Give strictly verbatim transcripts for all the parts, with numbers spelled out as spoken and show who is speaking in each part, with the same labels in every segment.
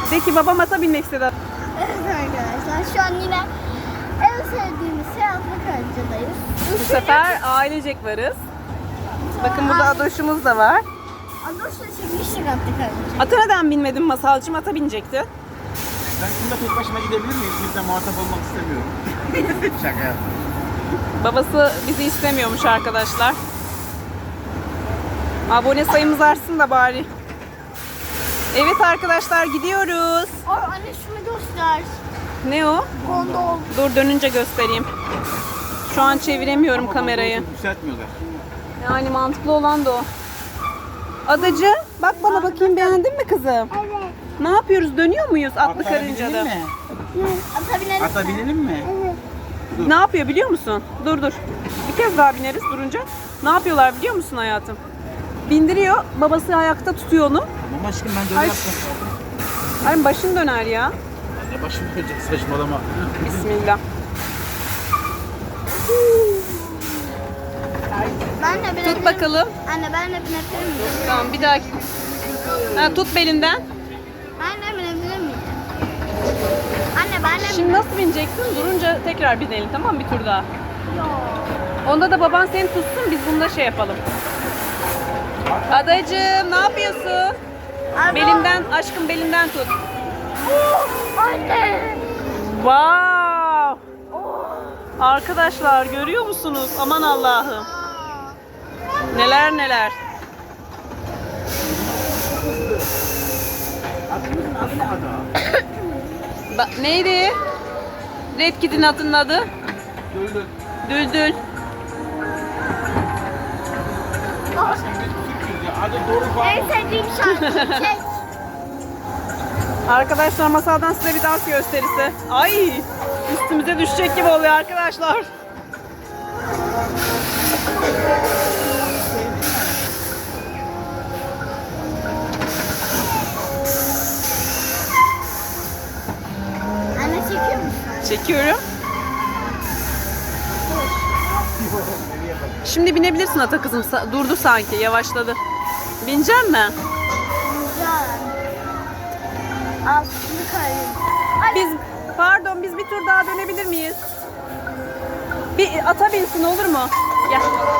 Speaker 1: De ki babam ata binmek istedi.
Speaker 2: Evet arkadaşlar şu an yine en sevdiğimiz şey atlı karıncadayız.
Speaker 1: Bu sefer ailecek varız. Bakın burada Adoş'umuz da var.
Speaker 2: Adoş'la çekmiştik atlı karınca.
Speaker 1: Ata neden binmedin Masalcığım? Ata binecekti.
Speaker 3: Ben şimdi tek başıma gidebilir miyim? Kimse muhatap olmak istemiyorum. Şaka yaptım.
Speaker 1: Babası bizi istemiyormuş arkadaşlar. Abone sayımız artsın da bari. Evet arkadaşlar gidiyoruz.
Speaker 2: Ay anne şunu göster.
Speaker 1: Ne o?
Speaker 2: Gondol.
Speaker 1: Dur dönünce göstereyim. Şu an çeviremiyorum
Speaker 3: Ama
Speaker 1: kamerayı.
Speaker 3: çok yükseltmiyorlar.
Speaker 1: Yani mantıklı olan da o. Adacı bak bana bakayım, beğendin mi kızım?
Speaker 2: Evet.
Speaker 1: Ne yapıyoruz? Dönüyor muyuz atlı
Speaker 3: Atlara
Speaker 1: karıncada?
Speaker 3: binelim mi?
Speaker 2: Ata binelim.
Speaker 3: Ata binelim mi?
Speaker 2: Evet.
Speaker 1: Ne yapıyor biliyor musun? Dur dur. Bir kez daha bineriz durunca. Ne yapıyorlar biliyor musun hayatım? Bindiriyor, babası ayakta tutuyor onu.
Speaker 3: Tamam aşkım ben de
Speaker 1: Ay.
Speaker 3: öyle yaptım.
Speaker 1: Ay başın döner ya.
Speaker 3: Ne başım dönecek, saçmalama.
Speaker 1: Bismillah.
Speaker 2: Ben de binebilirim.
Speaker 1: Tut bakalım.
Speaker 2: Anne ben de binebilir miyim?
Speaker 1: Tamam bir dahaki. Ha, tut belinden.
Speaker 2: Ben de binebilir miyim? Anne ben de
Speaker 1: Şimdi nasıl bineceksin? Durunca tekrar binelim, tamam mı? Bir tur daha. Onda da baban seni tutsun, biz bunda şey yapalım. Adacığım ne yapıyorsun?
Speaker 2: Araba.
Speaker 1: Belimden, aşkım belimden tut.
Speaker 2: Oh, anne.
Speaker 1: Wow! Arkadaşlar görüyor musunuz? Aman Allah'ım. Neler neler.
Speaker 3: Atımızın adı ne Ada?
Speaker 1: Ba- neydi? Red Kit'in atının adı?
Speaker 3: Düldül.
Speaker 1: Düldül.
Speaker 3: Aşkım biz Türk'üz ya. Adı doğru falan.
Speaker 2: En sevdiğim şarkı. Çek.
Speaker 1: Arkadaşlar masaldan size bir dans gösterisi. Ay! Üstümüze düşecek gibi oluyor arkadaşlar.
Speaker 2: Anne çekiyor musun?
Speaker 1: Çekiyorum. Şimdi binebilirsin ata kızım. Sa- Durdu sanki, yavaşladı. Binecek mi?
Speaker 2: Güzel. Altını karınca.
Speaker 1: Biz, pardon, biz bir tur daha dönebilir miyiz? Bir ata binsin olur mu? Gel.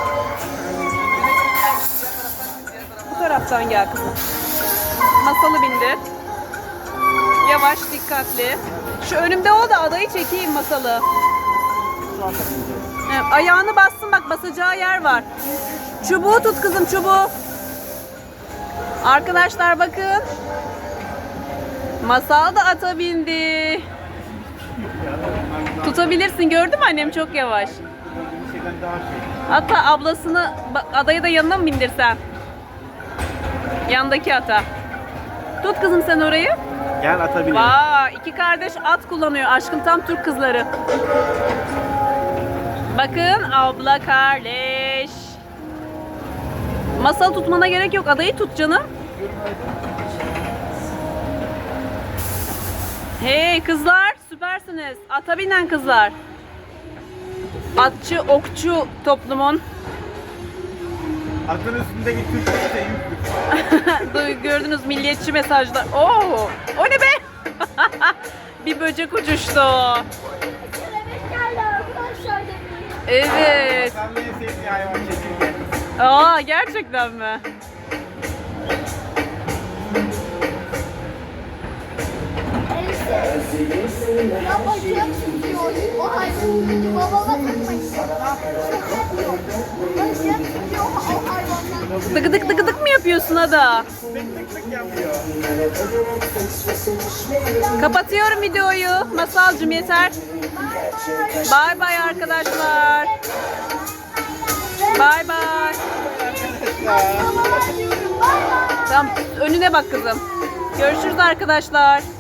Speaker 1: Bu taraftan gel kızım. Masalı bindir. Yavaş, dikkatli. Şu önümde ol da adayı çekeyim masalı. Evet, ayağını bassın, bak basacağı yer var. Çubuğu tut kızım, çubuğu. Arkadaşlar bakın. Masal da ata bindi. Tutabilirsin, gördün mü annem, çok yavaş.
Speaker 3: Bir şeyden daha şey.
Speaker 1: Ata ablasını, bak, adayı da yanına mı bindirsen? Yandaki ata. Tut kızım sen orayı.
Speaker 3: Gel ata binelim.
Speaker 1: Vay, iki kardeş at kullanıyor aşkım, tam Türk kızları. Bakın abla kardeş. Masal tutmana gerek yok, adayı tut canım. Hey kızlar, süpersiniz. Ata binen kızlar. Atçı, okçu toplumun.
Speaker 3: Atın üstündeki Türk de yüklü.
Speaker 1: Duy- Gördünüz milliyetçi mesajlar. Oo, o ne be? Bir böcek uçuştu.
Speaker 2: Kelebek geldi arkadaşlar demeyin.
Speaker 1: Evet.
Speaker 3: Sen en sevdiğin hayvan çekirge.
Speaker 1: Aa, gerçekten mi?
Speaker 2: Ya bacak tutuyor. O hayvan. Babama takmayın. Şaka yapıyor. Bacak tutuyor o hayvanlar.
Speaker 1: Dık dık dık dık mı yapıyorsun Ada?
Speaker 3: Tık tık tık yapıyor.
Speaker 1: Kapatıyorum videoyu. Masalcığım yeter. Bay bay arkadaşlar. Bay bay.
Speaker 2: Babama diyorum. Bay bay.
Speaker 1: Tamam, önüne bak kızım. Görüşürüz arkadaşlar.